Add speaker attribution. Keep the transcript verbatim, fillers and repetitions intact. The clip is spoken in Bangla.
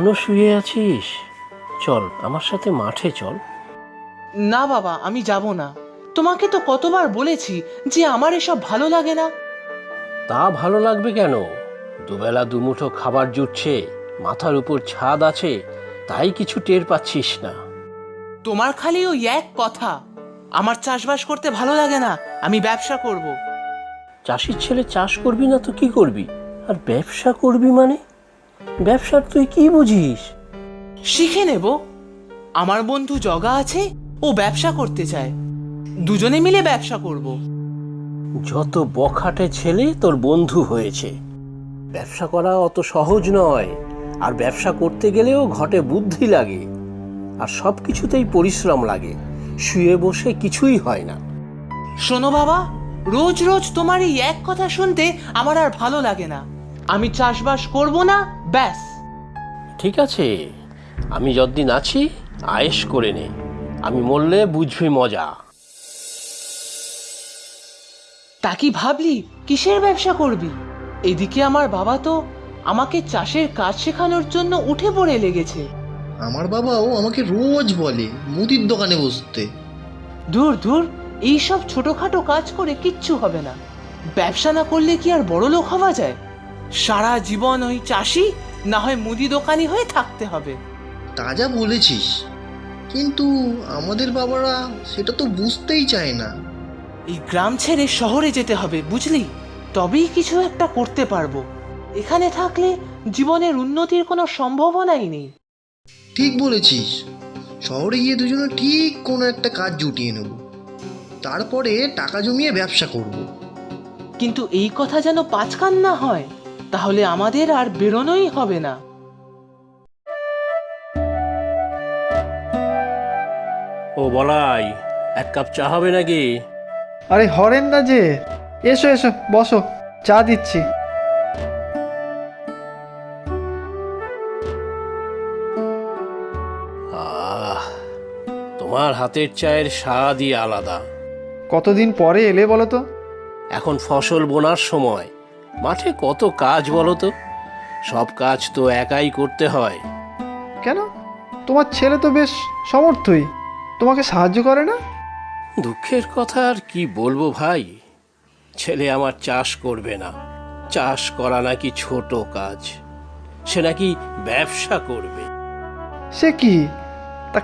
Speaker 1: এখনো শুয়ে আছিস? চল আমার সাথে মাঠে চল।
Speaker 2: না বাবা, আমি যাব না। তোমাকে তো কতবার বলেছি যে আমার এসব ভালো লাগে না।
Speaker 1: তা ভালো লাগবে কেন? দুবেলা দুমুঠো খাবার জুটছে, মাথার উপর ছাদ আছে, তাই কিছু টের পাচ্ছিস না।
Speaker 2: তোমার খালি ওই এক কথা, আমার চাষবাস করতে ভালো লাগে না, আমি ব্যবসা করব।
Speaker 1: চাষির ছেলে চাষ করবি না তো কি করবি? আর ব্যবসা করবি মানে? ব্যবসার তুই কি বুঝিস?
Speaker 2: শিখে নেব। আমার বন্ধু জগা আছে, ও ব্যবসা করতে চায়, দুজনে মিলে ব্যবসা করব।
Speaker 1: যত বখাটে ছেলে তোর বন্ধু হয়েছে। ব্যবসা করা অত সহজ নয়, আর ব্যবসা করতে গেলেও ঘটে বুদ্ধি লাগে, আর সব কিছুতেই পরিশ্রম লাগে। শুয়ে বসে কিছুই হয় না।
Speaker 2: শোনো বাবা, রোজ রোজ তোমার এই এক কথা শুনতে আমার আর ভালো লাগে না। আমি চাষবাস করব না, ব্যাস।
Speaker 1: ঠিক আছে, আমি যতদিন আছি আয়েশ করে নে, আমি মরলে বুঝবি মজা।
Speaker 2: তা কি ভাবলি কিসের ব্যবসা করবি? এদিকে আমার বাবা তো আমাকে চাষের কাজ শেখানোর জন্য উঠে পড়ে লেগেছে।
Speaker 3: আমার বাবাও আমাকে রোজ বলে মুদির দোকানে বসতে।
Speaker 2: দূর দূর, এইসব ছোটখাটো কাজ করে কিচ্ছু হবে না। ব্যবসা না করলে কি আর বড় লোক হওয়া যায়? সারা জীবন ওই চাষি না হয় মুদি দোকানি হয়ে থাকতে হবে।
Speaker 3: তা যা বলেছিস, কিন্তু আমাদের বাবারা সেটা তো বুঝতেই চায় না।
Speaker 2: এই গ্রাম ছেড়ে শহরে যেতে হবে, বুঝলি? তবেই কিছু একটা করতে পারবো। এখানে থাকলে জীবনের উন্নতির কোনো সম্ভাবনাই নেই।
Speaker 3: ঠিক বলেছিস, শহরে গিয়ে দুজনে ঠিক কোনো একটা কাজ জুটিয়ে নেব, তারপরে টাকা জমিয়ে ব্যবসা করব।
Speaker 2: কিন্তু এই কথা যেন পাঁচকান না হয়, তাহলে আমাদের আর বেরোনোই হবে না।
Speaker 1: ও বলাই, এক কাপ চা হবে নাকি?
Speaker 4: আরে হরেন্দা যে, এসো এসো বসো, চা দিচ্ছি।
Speaker 1: আহ, তোমার হাতের চায়ের স্বাদই আলাদা।
Speaker 4: কতদিন পরে এলে বলো তো?
Speaker 1: এখন ফসল বোনার সময়, মাঠে কত কাজ বলো তো। সব কাজ তো একাই করতে হয়।
Speaker 4: কেন, তোমার ছেলে তো বেশ সমর্থই, তোমাকে সাহায্য করে না?
Speaker 1: দুঃখের কথা আর কি বলবো ভাই, ছেলে আমার চাষ করবে না। চাষ করা নাকি ছোট কাজ, সে নাকি ব্যবসা করবে।
Speaker 4: সে কি,